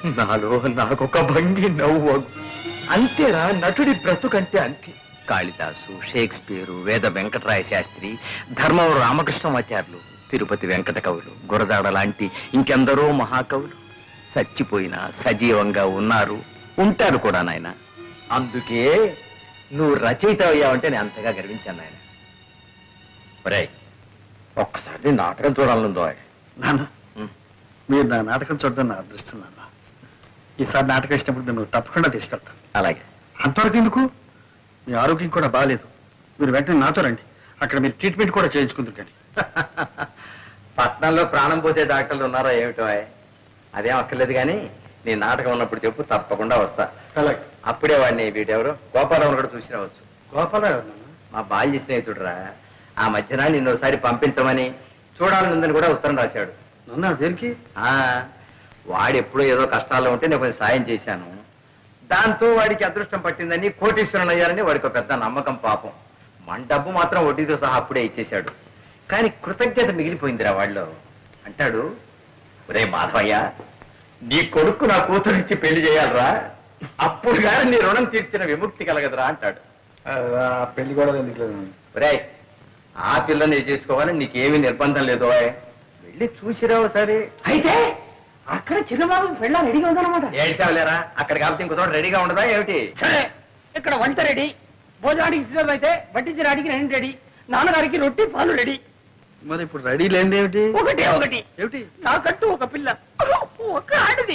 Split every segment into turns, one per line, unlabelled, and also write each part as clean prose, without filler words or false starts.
నాలో నాకొక భంగి నవ్వు. అంతేరా నటుడి బ్రతుకంటే అంతే. కాళిదాసు, షేక్స్పియరు, వేద వెంకటరాయ శాస్త్రి, ధర్మవరం రామకృష్ణమాచార్యులు, తిరుపతి వెంకట కవులు, గురదాడ లాంటి ఇంకెందరో మహాకవులు చచ్చిపోయినా సజీవంగా ఉన్నారు, ఉంటారు కూడా నాయన. అందుకే నువ్వు రచయిత అయ్యావంటే నేను అంతగా గర్వించాను నాయన. ఒరేయ్, ఒక్కసారి నాటకం చూడాలనుందో.
నాన్న, మీరు నా నాటకం చూడడం నా అదృష్టం నాన్న. ఈసారి నాటకం ఇచ్చినప్పుడు నేను తప్పకుండా తీసుకెళ్తాను.
అలాగే.
అంతవరకు ఎందుకు? మీ ఆరోగ్యం కూడా బాగాలేదు. మీరు వెంటనే నాతో రండి. అక్కడ మీరు ట్రీట్మెంట్ కూడా చేయించుకుంటుంటండి.
పట్నంలో ప్రాణం పోసే డాక్టర్లు ఉన్నారా ఏమిటో? అదేం అక్కర్లేదు, కానీ నీ నాటకం ఉన్నప్పుడు చెప్పు, తప్పకుండా వస్తా.
అలాగే.
అప్పుడే వాడిని వీటెవరు గోపాలరావు కూడా చూసి రావచ్చు.
గోపాలరావు
మా బాల్య స్నేహితుడురా. ఆ మధ్యన నిన్ను ఒకసారి పంపించమని చూడాలనుందని కూడా ఉత్తరం రాశాడు.
నన్ను దేనికి?
వాడు ఎప్పుడో ఏదో కష్టాల్లో ఉంటే నేను కొంచెం సాయం చేశాను. దాంతో వాడికి అదృష్టం పట్టిందని, కోటీశ్వరుని అయ్యారని వాడికి ఒక పెద్ద నమ్మకం. పాపం మన డబ్బు మాత్రం వడ్డీతో సహా అప్పుడే ఇచ్చేశాడు. కానీ కృతజ్ఞత మిగిలిపోయిందిరా వాళ్ళు. అంటాడు, ఒరే మాధవయ్య, నీ కొడుకు నా కూతురిచ్చి పెళ్లి చేయాలరా, అప్పుడు కానీ నీ రుణం తీర్చిన విముక్తి కలగదురా అంటాడు.
పెళ్లి కూడా ఎందుకు?
ఒరే, ఆ పిల్లని చేసుకోవాలని నీకేమీ నిర్బంధం లేదు. వెళ్ళి చూసిరావు సరే.
అయితే అక్కడ చిన్నబాబు పెళ్ళ రెడీగా ఉందన్నమాట.
ఏడ్చావులేరా, అక్కడ కాబట్టి ఇంకో చోట రెడీగా ఉండదా ఏమిటి?
సరే, ఇక్కడ వంట రెడీ, భోజనానికి సిద్ధం అయితే వడ్డించడానికి నేను రెడీ, నాన్నగారికి రొట్టి పాలు రెడీ.
మరి ఇప్పుడు రెడీ లేనిది ఏమిటి?
ఒకటే ఒకటి
ఏమిటి?
నాకంటూ ఒక పిల్ల, ఒక ఆడది.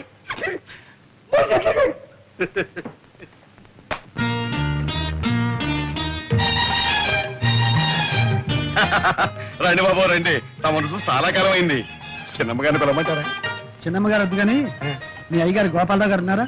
రండి బాబు రండి, తమను చూసి చాలా కాలం అయింది. చిన్నమ్మగారిని పిలవమంటారా?
చిన్నమ్మగారు వద్దు కానీ మీ అయ్యగారు గోపాలరావు గారు ఉన్నారా?